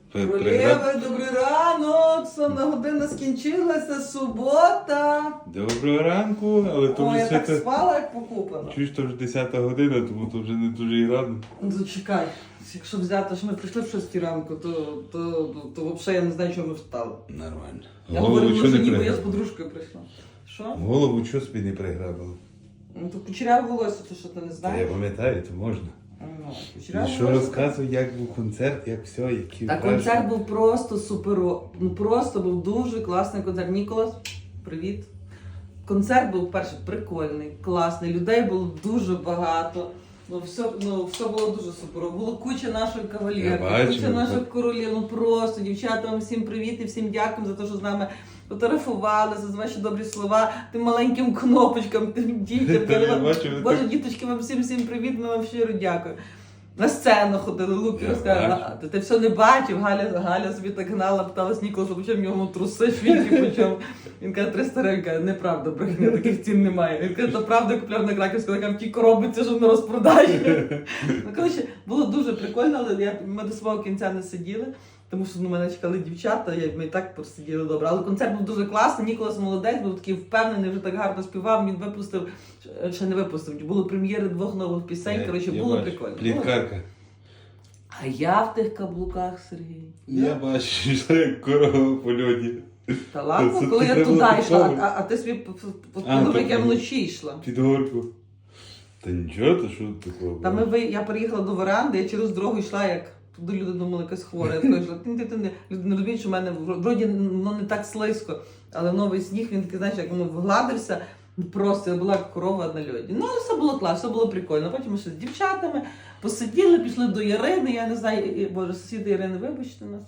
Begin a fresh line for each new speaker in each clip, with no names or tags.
Королеви, добрий ранок! Сонна година скінчилася, субота.
Доброго ранку, але то
Ой,
вже
я так
свята...
спала, як покупана.
Чуєш, то вже 10 година, тому то вже не дуже і рано.
Ну, зачекай, якщо взяти, що ми прийшли в 6 ранку, то взагалі я не знаю, чого ми встали.
Нормально.
Я
Голову
говорю,
чого
може
не
ніби я з
приграбила?
подружкою прийшла. Що?
Голову чого собі не приграбила?
Ну, то кучеряве волосся, то що ти не
Та я
знаєш?
пам'ятаю, то можна.
Ну,
І
кучеряве
що
волосся.
розказуй, як був концерт, як все, які
Та
враження?
концерт був просто супер. Ну просто був дуже класний концерт. Ніколас, привіт. Концерт був перший прикольний, класний. Людей було дуже багато. Все було дуже супер. Було куча нашої
Я
кавалерки,
бачу,
куча наших королів. Ну просто, дівчата, вам всім привіт і всім дякую за те, що з нами фотографувалися, за ваші добрі слова, тим маленьким кнопочкам, тим дітям.
Та я
Кажу,
бачу, ви
Боже,
так-
діточки, вам всім привіт, ми вам щиро дякую. На сцену ходили, Луки
Я
розказав,
бачу.
ти все не бачив, Галя собі так гнала, питалась Ніколаса, по чому в нього труси, швінки по чому. Він каже, 300 гривень, каже, неправда, брехня, таких цін немає. Він каже, то правда, я купляв на Краківську, така в тій коробці, що на розпродажі. Ну, коротше, було дуже прикольно, але ми до свого кінця не сиділи, тому що мене чекали дівчата, ми і так посиділи добре. Але концерт був дуже класний, Ніколас молодець, був такий впевнений, вже так гарно співав, він випустив, ще не випустив, були прем'єри 2 нових пісень, коротше,
Я
було
бачу.
прикольно.
Пліткарка.
А я в тих каблуках, Сергій.
Я бачу, що йшла як корова в польоті.
Та ладно,
Це
коли я
треба
туди
було
йшла,
такого.
а ти собі
А,
подумав, як я
так.
вночі йшла.
Під горку. Та нічого, то що такого?
Та я переїхала до веранди, я через дорогу йшла, як туди люди думали, якась хвора. Я така йшла, люди не розуміють, що в мене вроді воно не так слизько, але новий сніг, він такий, знаєш, як воно вгладився, просто я була як корова на льоді. Ну, але все було класно, все було прикольно. Потім ми ще з дівчатами посиділи, пішли до Ярини, я не знаю, боже, сусіди Ірини, вибачте нас.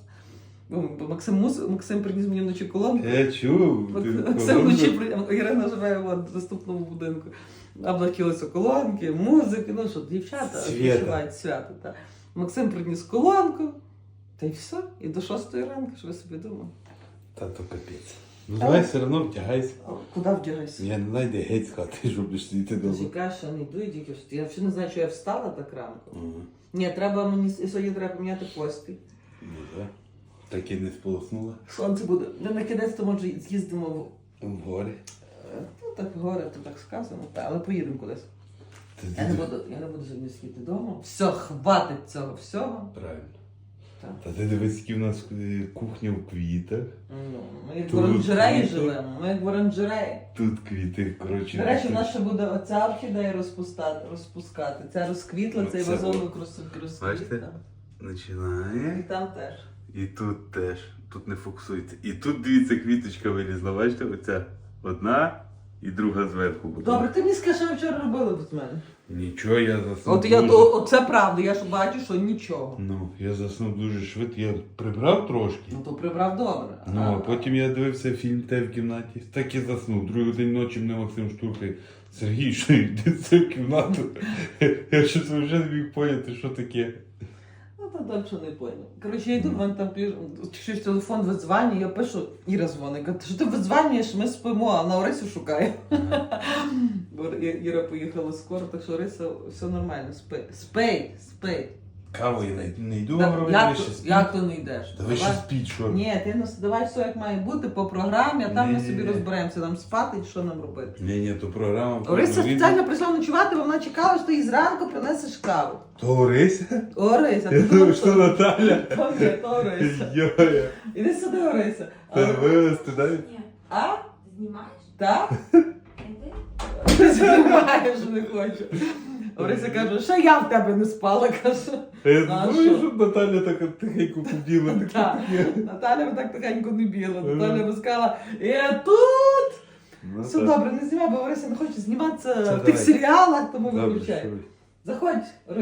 Максим приніс мені вночі колонку.
Я чув. ти
Максим
колонку.
вночі Ірина живе в наступному будинку. Облакилися колонки, музики, ну що, дівчата
Свята.
відчувають свято. Та. Максим приніс колонку, та й все. І до 6 ранку, що ви собі думали.
Та то капець. Ну давай все одно втягайся.
Куди вдягайся?
Я не знайде геть з хати, щоб будеш сидіти вдома.
Чекай, що не йду, і тільки що. Я взагалі не знаю, що я встала так ранку.
Ага.
Ні, треба мені сьогодні треба поміняти постіль.
Ну так. Так і не сполоснула.
Сонце буде. Ми на кінець то може з'їздимо в
В горі.
ну так горе, то так сказано, але поїдемо кудись.
Та
Я не
ти-
буду сьогодні сидіти вдома. Все, хватить цього всього.
Правильно.
Так.
Та ти дивись, які в нас кухня в квітах.
Ну, ми як в
Тут
оранжереї
квіти.
живемо, ми як в оранжереї.
Тут квіти, коротше.
До речі, в нас ще буде оця орхідея розпускати. Ця розквітла, цей
Оце
вазонок
Бачите?
розквітла. І
Починає.
там теж.
І тут теж. Тут не фокусується. І тут, дивіться, квіточка вилізла. Бачите, оця одна і друга зверху буде.
Добре, ти мені скажи, що ви вчора робили без мене.
Нічого, я заснув.
От я
дуже-
оце правда, я ж бачу, що нічого.
Ну, я заснув дуже швидко. Я прибрав трошки.
Ну то прибрав добре.
Ну, а потім я дивився фільм «Те в кімнаті». Так і заснув. Другий день ночі мене Максим штурхає. Сергій, що йди це в кімнату? Я щось вже не міг поняти, що таке.
Ну, то далі не понял. Коротше, я йду, в мене там щось телефон видзвонює, я пишу, Іра дзвонить, каже, що ти видзвонюєш, ми спимо, а на Орисю шукає. Бо Іра поїхала скоро, так що Ориса все нормально, спить.
Каву я не йду,
Так,
говорю,
як
ви
то-
ще спіть.
Як то не йдеш?
Та ви ще спіть, що?
Ні, ти давай все як має бути по програмі, а там ми
Ні.
собі розберемося, нам спати і що нам робити.
Ні, то програма.
Орися
відео.
спеціально прийшла ночувати, бо вона чекала, що ти їй зранку принесеш каву.
То Орися?
Орися,
Я
ти
думав, що Наталя.
То ні, то Орися.
Йоя.
Іди сюди, Орися.
Та вивезти, дай?
Ні.
А?
Знімаєш?
Так?
Іди.
Ти знімаєш, не хочу. Орися каже, що я в тебе не спала, каже.
Я
А
думаю,
що?
щоб Наталя так тихенько побіла.
Так. Наталя би так тихенько не біла. Наталя би сказала, я тут.
Ну,
Все
так.
добре, не знімай, бо Орися не хоче зніматися
Це
в тих
давай.
серіалах, тому
Добре,
виключай.
що ви.
Заходь,